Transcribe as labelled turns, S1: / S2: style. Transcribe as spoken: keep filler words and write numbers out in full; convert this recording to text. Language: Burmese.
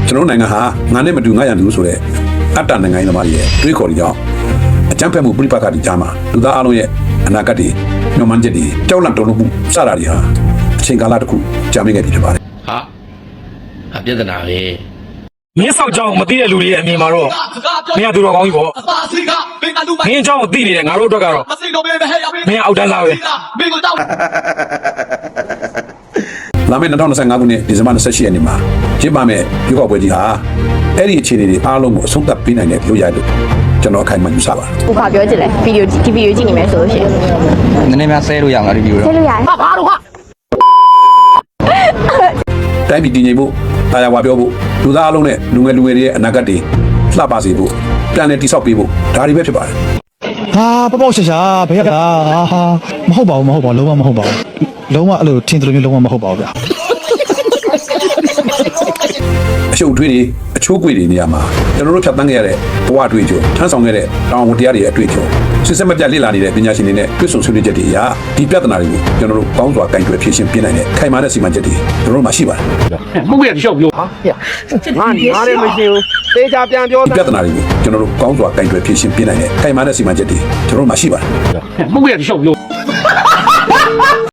S1: ကျွန်တော်နိုင်ငံဟာငါနဲ့မတူငါရန်သူဆိုတဲ့အတ္တနိုင်ငံသမားရဲ့တွေးခေါ်ကြောင်းအကြမ်းဖက်မှုပြိပက္ခတွေကြားမှာလူသားအလုံးရဲ့အနာဂတ်တွေညှော်မှန်းချက်တွေကြောက်လန့်တုန်လှုပ်မှုစတာတွေဟာအချိန်ကာလတစ်ခုကြာမြင့်ခဲ့ပြီဖြစ်ပါတယ်
S2: ဟာအပြဿနာပဲ
S3: မင်းဆောက်ကြောင်းမသိတဲ့လူတွေရဲ့အမြင်မှာတော့မင်းကသူတော်ကောင်းကြီးပေါ့မင်းအကြောင်းကိုသိနေတယ်ငါတို့အတွက်ကတော့မင်းကအောက်တန်းသားပဲ
S1: လာမယ့်၂၀၂၅ခုနှစ်ဒီဇင်ဘာ၂၈ရက်နေ့မှာကျင်းပမယ့်ရွေးကောက်ပွဲကြီးဟာအဲ့ဒီအခြေအနေတွေအားလုံးကိုအဆုံးသတ်ပေးနိုင်တဲ့လို့ရလို့ကျွန်တော်အခိုင်အမာယူဆပါတယ်
S4: ။ဘာပြောချင်လဲဗီဒီယိုဒီဗီဒီယိုကြည့်နေမယ်ဆိုလို့ရှိရင်
S5: နည်းနည်းများဆဲလို့ရအောင်လားဒီဗီဒီယို
S4: ဆဲလို့ရတယ်။ဟာဘာလို့ဟာ
S1: တိုင်းပြည်တည်ငြိမ်ဖို့တရားဝါပြောဖို့လူသားအလုံးနဲ့လူငယ်လူငယ်တွေရဲ့အနာဂတ်တွေလှပစေဖို့ပြန်လည်တည်ဆောက်ပေးဖို့ဒါတွေပဲဖြစ်ပါတယ်
S6: ဟာပေါ့ပေါ့ရှာရှာဘယ်ရတာဟာမဟုတ်ပါဘူးမဟုတ်ပါဘူးလုံးဝမဟုတ်ပါဘူးလုံးဝအဲ့လိုထင်တယ်လို့မျိုးလုံးဝမဟုတ်ပါဘူးဗျာ
S1: အရှုပ်ထွေးတွေအချိုးကွေတွေနေရာမှာကျွန်တော်တို့ဖြတ်သန်းခဲ့ရတဲ့ဘဝအတွေ့အကြုံထမ်းဆောင်ခဲ့တဲ့တောင်ဝန်တရားတွေရဲ့အတွေ့အကြုံစစ်စက်မပြတ်လေ့လာနေတဲ့ပညာရှင်တွေနဲ့တွေ့ဆုံဆွေးနွေးချက်တွေအရဒီပြဿနာတွေကိုကျွန်တော်တို့ကောင်းစွာကင်တွယ်ဖြေရှင်းပြနိုင်တဲ့ခိုင်မာတဲ့စီမံချက်တွေကျွန်တော်တို့မှာရှိပါတယ်
S3: မှုရရှောက်ပြောဟာငါငါလည်းမရှိဘူးသေချာပြန်ပြော
S1: ဒီပြဿနာတွေကိုကျွန်တော်တို့ကောင်းစွာကင်တွယ်ဖြေရှင်းပြနိုင်တဲ့ခိုင်မာတဲ့စီမံချက်တွေကျွန်တော်တို့မှာရှိပါတယ်
S3: မှုရရှောက်ပြော